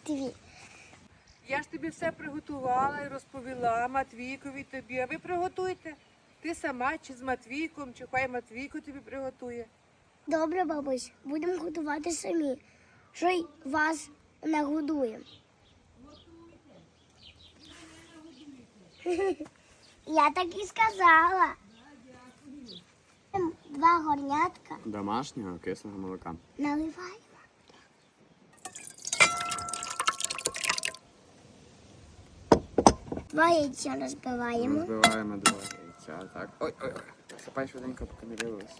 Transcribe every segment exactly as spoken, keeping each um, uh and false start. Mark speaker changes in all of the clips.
Speaker 1: Дві.
Speaker 2: Я ж тобі все приготувала і розповіла Матвійкові тобі. А ви приготуйте. Ти сама чи з Матвійком, чи хай Матвійко тобі приготує.
Speaker 1: Добре, бабусь, будемо готувати самі. Що й вас не годуємо. Я так і сказала. Два горнятка
Speaker 3: Домашнього кислого молока.
Speaker 1: наливаємо. Два яйця розбиваємо.
Speaker 3: Розбиваємо два яйця. Так. Ой, ой, ой. Сипай швиденько, поки не вилилось.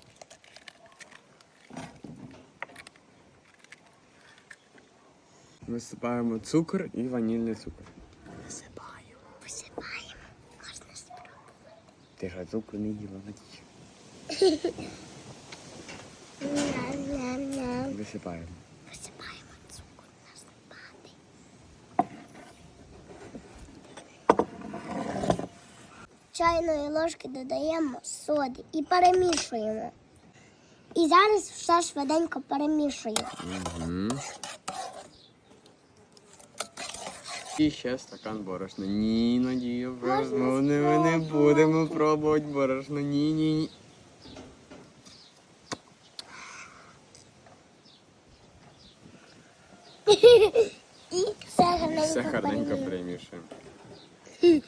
Speaker 3: Висипаємо цукор і ванільний цукор. Висипаємо.
Speaker 1: Посипаємо. Можна спробувати.
Speaker 3: Ти ж цукру не їла, Надія.
Speaker 1: Ням-ням-ням.
Speaker 3: Висипаємо.
Speaker 1: Посипаємо цукор насипати. Чайної ложки додаємо соди і перемішуємо. І зараз все швиденько перемішуємо.
Speaker 3: Угу. І ще стакан борошна. Ні, Надія,
Speaker 1: Можна
Speaker 3: ми не, не будемо пробувати борошно. Ні, ні, ні.
Speaker 1: І все гарненько
Speaker 3: Все гарненько
Speaker 1: перемішуємо.
Speaker 3: перемішуємо.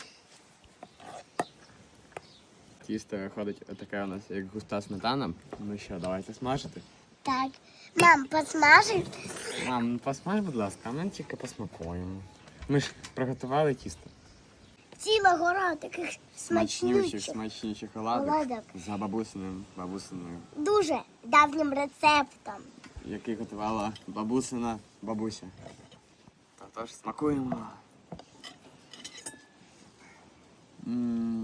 Speaker 3: Тісто виходить отаке у нас, як густа сметана. Ну що, давайте смажити.
Speaker 1: Так. Мам, посмажиш?
Speaker 3: Мам, ну посмаж, будь ласка, а ми тільки посмакуємо. Ми ж приготували тісто.
Speaker 1: Ціла гора таких
Speaker 3: Смачнючих,
Speaker 1: смачнючих.
Speaker 3: смачніших оладок.
Speaker 1: Оладок.
Speaker 3: За бабусиним, бабусиною,
Speaker 1: Дуже давнім рецептом.
Speaker 3: який готувала бабусина бабуся. Тож смакуємо. М.